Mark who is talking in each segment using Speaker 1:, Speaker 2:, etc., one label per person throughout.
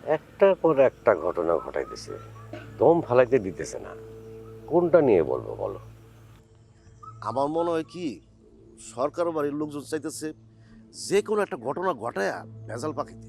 Speaker 1: একটার পর একটা ঘটনা ঘটাইতেছে, দম ফালাইতে দিতেছে না। কোনটা নিয়ে বলবো বলো?
Speaker 2: আমার মনে হয় কি, সরকার বাড়ির লোকজন চাইতেছে যে কোনো একটা ঘটনা ঘটায়া ভেজাল পাকিতে।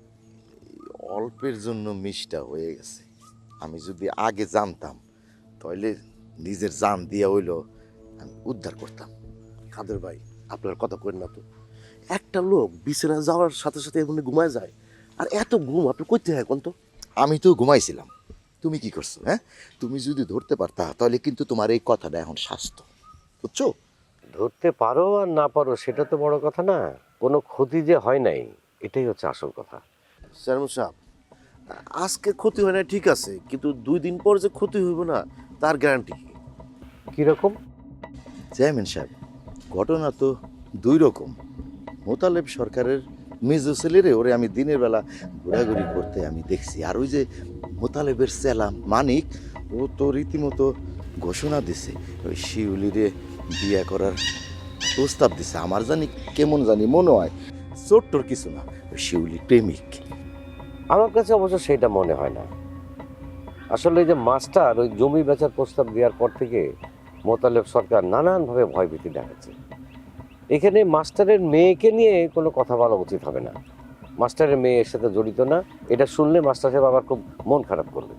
Speaker 3: অল্পের জন্য মিষ্টা হয়ে গেছে। আমি যদি আগে জানতাম তাহলে নিজের জান দিয়া হইলো আমি উদ্ধার করতাম।
Speaker 2: কাদের ভাই, আপনার কথা কইন না তো। একটা লোক বিছানা যাওয়ার সাথে সাথে এমনি ঘুমায় যায়, আর এত ঘুম আপনি করতে হয় কোন তো?
Speaker 3: আমি তো ঘুমাইছিলাম, তুমি কি করছো? হ্যাঁ, তুমি যদি ধরতে পারতা তাহলে কিন্তু তোমার এই কথাটা এখন স্বাস্থ্য, বুঝছো?
Speaker 1: ধরতে পারো আর না পারো সেটা তো বড় কথা না, কোনো ক্ষতি যে হয় নাই এটাই হচ্ছে আসল কথা।
Speaker 2: চেয়ারম্যান সাহেব, আজকে ক্ষতি হয় না ঠিক আছে, কিন্তু 2 দিন পর যে ক্ষতি হইব না তার গ্যারান্টি কি?
Speaker 1: কিরকম?
Speaker 3: চেয়ারম্যান সাহেব, ঘটনা তো দুই রকম। মোতালেব সরকারের মেজো ছেলেরে ওরে আমি দিনের বেলা ঘোরাঘুরি করতে আমি দেখছি, আর ওই যে মোতালেবের চেলা মানিক, ও তো রীতিমতো ঘোষণা দিছে ওই শিউলিরে বিয়ে করার প্রস্তাব দিছে। আমার জানি কেমন জানি মনে হয় চোট্টর কিছু না, ওই শিউলি প্রেমিক।
Speaker 1: আমার কাছে অবশ্য সেটা মনে হয় না। আসলে এই যে মাস্টার ওই জমি বেচার প্রস্তাব দেওয়ার পর থেকে মোতালেব সরকার নানানভাবে ভয়ভীতি দেখাচ্ছে। এখানে মাস্টারের মেয়েকে নিয়ে কোনো কথা বলা উচিত হবে না। মাস্টারের মেয়ে এর সাথে জড়িত না, এটা শুনলে মাস্টার সাহেব আবার খুব মন খারাপ করবে।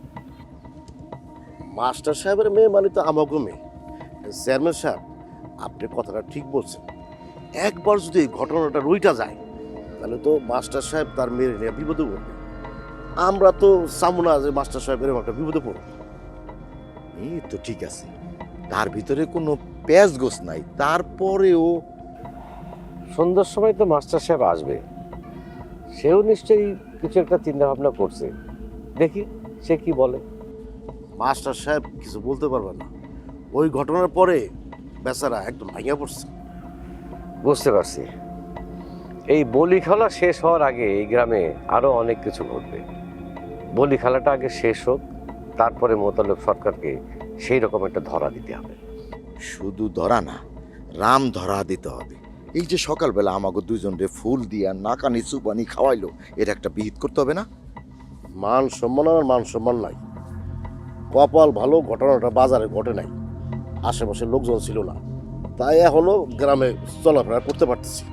Speaker 2: মাস্টার সাহেবের মেয়ে মানে তো আমাকে মেয়ে। চেয়ারম্যান সাহেব, আপনি কথাটা ঠিক বলছেন। একবার যদি এই ঘটনাটা রইটা যায় তাহলে তো মাস্টার সাহেব তার মেয়ের নিয়ে বিপদে পড়বে। আমরা তো চাবো না যে মাস্টার সাহেব এরকম একটা বিপদে পড়বে।
Speaker 3: এই তো ঠিক আছে, তার ভিতরে কোনো প্যাঁচ গোছ নাই, তারপরেও
Speaker 1: সন্ধ্যার সময় তো মাস্টার সাহেব আসবে, সেও নিশ্চয়ই কিছু একটা চিন্তা ভাবনা করছে। দেখি সে কি বলে।
Speaker 2: মাস্টার সাহেব কিছু বলতে পারবে না, ওই ঘটনার পরে বেচারা একদম ভাঙিয়া পড়ছে।
Speaker 1: বুঝতে পারছি, এই বলি খেলা শেষ হওয়ার আগে এই গ্রামে আরো অনেক কিছু ঘটবে। বলি খেলাটা আগে শেষ হোক, তারপরে মোতালেব সরকারকে সেই রকম একটা ধরা দিতে হবে।
Speaker 3: শুধু ধরা না, রাম ধরা দিতে হবে। এই যে সকালবেলা আমাকে দুজনরে ফুল দিয়া নাকানি চুপানি খাওয়াইলো, এর একটা বিহিত করতে হবে না?
Speaker 2: মান সম্মান আর মান সম্মান নাই। কপাল ভালো ঘটনাটা বাজারে ঘটে নাই, আশেপাশে লোকজন ছিল না, তাই এখনো গ্রামে চলাফেরা করতে পারতেছি।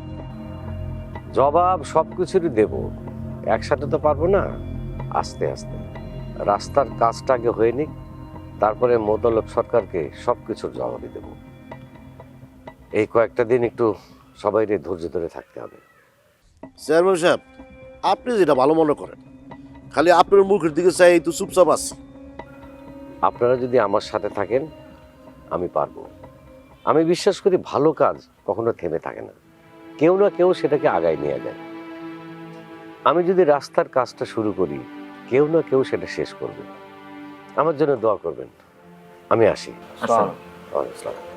Speaker 1: জবাব সব কিছুরই দেব, একসাথে তো পারবো না। আস্তে আস্তে রাস্তার কাজটা আগে হয়ে নিক, তারপরে মোতালেব সরকারকে সব কিছুর জবাবই দেব। এই কয়েকটা দিন একটু সবাইকে ধৈর্য ধরে থাকতে হবে।
Speaker 2: চেয়ারম্যান সাহেব, আপনি যেটা ভালো মনে করেন, খালি আপনার মুখের দিকে চাই তো চুপচাপ আছি।
Speaker 1: আপনারা যদি আমার সাথে থাকেন আমি পারবো। আমি বিশ্বাস করি ভালো কাজ কখনো থেমে থাকে না, কেউ না কেউ সেটাকে আগায় নিয়ে যায়। আমি যদি রাস্তার কাজটা শুরু করি, কেউ না কেউ সেটা শেষ করবে। আমার জন্য দোয়া করবেন। আমি আসি।
Speaker 4: আসসালাম।
Speaker 1: ওয়ালাইকুম আসসালাম।